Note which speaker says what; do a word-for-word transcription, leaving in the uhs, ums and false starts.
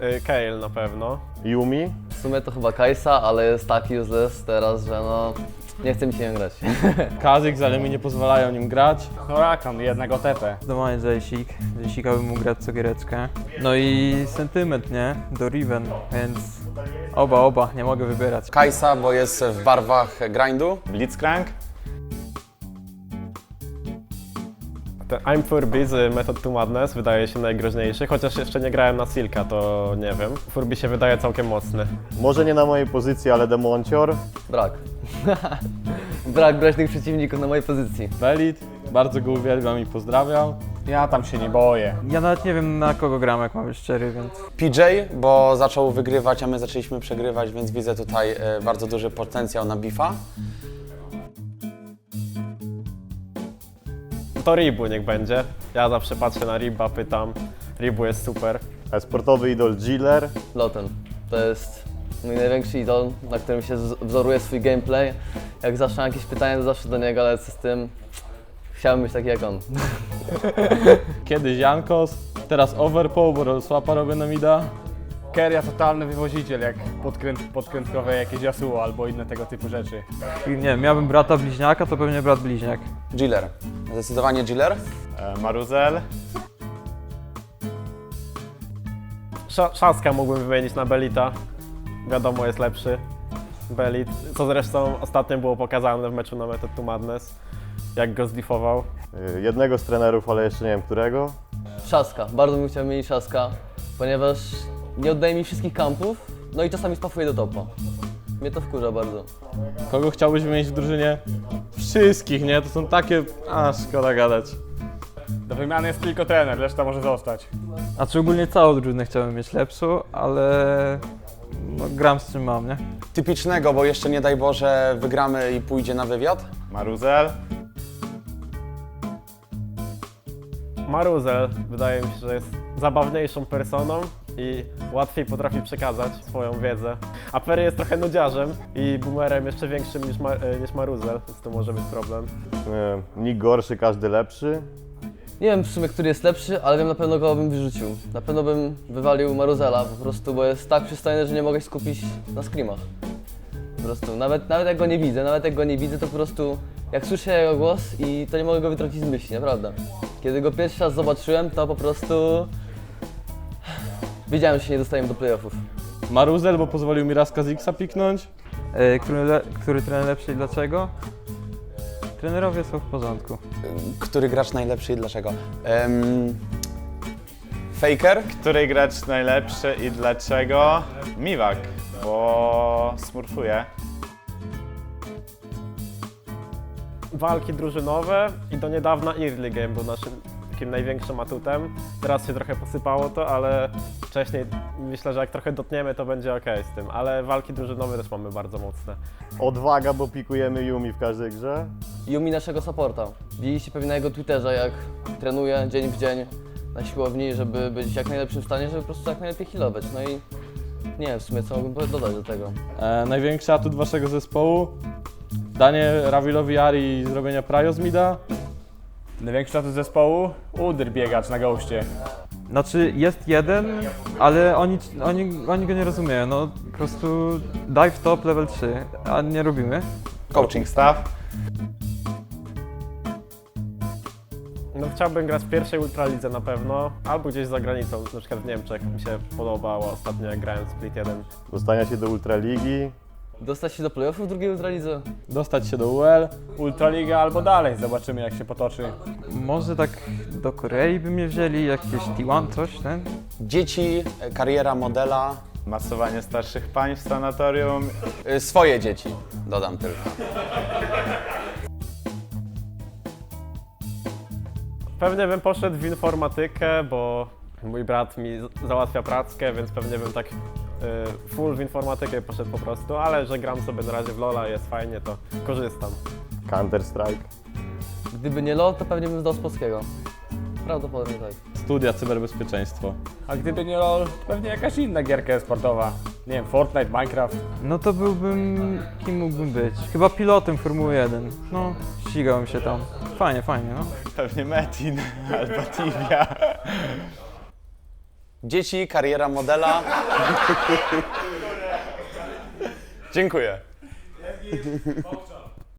Speaker 1: Y, Kayle na pewno.
Speaker 2: Yumi?
Speaker 3: W sumie to chyba Kajsa, ale jest tak useless teraz, że no nie chce mi się nim grać.
Speaker 4: Kazik, ale mi nie pozwalają nim grać.
Speaker 5: No Rakan, jednego T P.
Speaker 6: Zdecydowanie Jaycik. Jaysika bym mógł grać co giereczkę. No i sentyment, nie? Do Riven, więc oba, oba, nie mogę wybierać.
Speaker 7: Kajsa, bo jest w barwach grindu.
Speaker 5: Blitzcrank.
Speaker 1: Ten I'm Furby z Method to Madness wydaje się najgroźniejszy, chociaż jeszcze nie grałem na Silka, to nie wiem. Furby się wydaje całkiem mocny.
Speaker 2: Może nie na mojej pozycji, ale Demoncior.
Speaker 3: Brak. Brak groźnych przeciwników na mojej pozycji.
Speaker 4: Belit, bardzo go uwielbiam i pozdrawiam.
Speaker 5: Ja tam się nie boję.
Speaker 6: Ja nawet nie wiem na kogo gram, jak mam być szczery, więc...
Speaker 7: P J, bo zaczął wygrywać, a my zaczęliśmy przegrywać, więc widzę tutaj e, bardzo duży potencjał na bifa.
Speaker 1: To Ribu niech będzie. Ja zawsze patrzę na Riba, pytam. Ribu jest super.
Speaker 2: Sportowy idol Jiller.
Speaker 3: Loten. To jest mój największy idol, na którym się wz- wzoruje swój gameplay. Jak zawsze mam jakieś pytania, to zawsze do niego lecę z tym. Chciałbym być taki jak on.
Speaker 4: Kiedyś Jankos, teraz Overpool, bo swapa robię na mida.
Speaker 5: Keria totalny wywoziciel, jak podkręt, podkrętkowe jakieś Yasuo albo inne tego typu rzeczy.
Speaker 6: I nie wiem, miałbym brata bliźniaka, to pewnie brat bliźniak.
Speaker 7: Jiller. Zdecydowanie Jiller.
Speaker 5: E, Maruzel.
Speaker 1: Sz Szaskę mógłbym wymienić na Belita. Wiadomo, jest lepszy. Belit, co zresztą ostatnio było pokazane w meczu na Method to Madness, jak go zlifował.
Speaker 2: Y, Jednego z trenerów, ale jeszcze nie wiem którego.
Speaker 3: Trzaska. Bardzo bym chciał mieć Trzaska, ponieważ nie oddaje mi wszystkich kampów, no i czasami spafuje do topa. Mnie to wkurza bardzo.
Speaker 4: Kogo chciałbyś wymienić w drużynie? Wszystkich, nie? To są takie... A, szkoda gadać.
Speaker 5: Do wymiany jest tylko trener, reszta może zostać.
Speaker 6: A czy ogólnie całą drużynę chciałbym mieć lepszą, ale no, gram z czym mam, nie?
Speaker 7: Typicznego, bo jeszcze nie daj Boże wygramy i pójdzie na wywiad.
Speaker 5: Maruzel.
Speaker 1: Maruzel wydaje mi się, że jest zabawniejszą personą i łatwiej potrafi przekazać swoją wiedzę. A Perry jest trochę nudziarzem i boomerem jeszcze większym niż, ma e, niż Maruzel, więc to może być problem.
Speaker 2: Y, Nikt gorszy, każdy lepszy.
Speaker 3: Nie wiem w sumie, który jest lepszy, ale wiem na pewno kogo bym wyrzucił. Na pewno bym wywalił Maruzela po prostu, bo jest tak przystojny, że nie mogę się skupić na screamach. Po prostu, nawet, nawet jak go nie widzę, nawet jak go nie widzę, to po prostu jak słyszę jego głos i to nie mogę go wytrącić z myśli, naprawdę. Kiedy go pierwszy raz zobaczyłem, to po prostu wiedziałem, że się nie dostajemy do playoffów.
Speaker 4: Maruzel, bo pozwolił mi raz Kaziksa piknąć.
Speaker 6: E, który, le, który trener lepszy i dlaczego? Trenerowie są w porządku.
Speaker 7: Który gracz najlepszy i dlaczego? Um, Faker.
Speaker 5: Który gracz najlepszy i dlaczego? Miwak, bo smurfuje.
Speaker 1: Walki drużynowe i do niedawna early game był naszym takim największym atutem. Teraz się trochę posypało to, ale wcześniej myślę, że jak trochę dotniemy, to będzie ok z tym. Ale walki drużynowe też mamy bardzo mocne.
Speaker 2: Odwaga, bo pikujemy Yumi w każdej grze. Yumi
Speaker 3: naszego supporta. Widzieliście pewnie na jego Twitterze, jak trenuje dzień w dzień na siłowni, żeby być w jak najlepszym stanie, żeby po prostu jak najlepiej healować. No i nie wiem w sumie co mógłbym dodać do tego.
Speaker 4: E, największy atut waszego zespołu? Danie Ravilowi Ari i zrobienia Prajo z mida?
Speaker 5: Największy atut zespołu? Udyr biegacz na goście.
Speaker 6: Znaczy jest jeden, ale oni, oni, oni go nie rozumieją, no po prostu dive top level trzy, a nie robimy.
Speaker 5: Coaching staff.
Speaker 1: No chciałbym grać w pierwszej ultralidze na pewno, albo gdzieś za granicą, na przykład w Niemczech. Mi się podobało ostatnio, jak grałem w Split jeden.
Speaker 2: Dostania się do Ultraligi.
Speaker 3: Dostać się do playoffów w drugiej ultralidze?
Speaker 4: Dostać się do U L.
Speaker 5: Ultraliga albo dalej, zobaczymy jak się potoczy.
Speaker 6: Może tak do Korei by mnie wzięli, jakieś T jeden, coś, ten?
Speaker 7: Dzieci, kariera modela.
Speaker 5: Masowanie starszych pań w sanatorium.
Speaker 7: Y, Swoje dzieci, dodam tylko.
Speaker 1: Pewnie bym poszedł w informatykę, bo mój brat mi z- załatwia prackę, więc pewnie bym tak y, full w informatykę poszedł po prostu, ale że gram sobie na razie w LoL'a, jest fajnie, to korzystam.
Speaker 2: Counter Strike.
Speaker 3: Gdyby nie LoL, to pewnie bym zdał z polskiego. Prawdopodobnie tak.
Speaker 4: Studia cyberbezpieczeństwo.
Speaker 5: A gdyby nie LoL, to pewnie jakaś inna gierka sportowa. Nie wiem, Fortnite, Minecraft.
Speaker 6: No to byłbym, kim mógłbym być? Chyba pilotem Formuły jeden. No, ścigałem się tam. Fajnie, fajnie, no.
Speaker 5: Pewnie Metin albo Tibia.
Speaker 7: Dzieci, kariera modela. Dziękuję.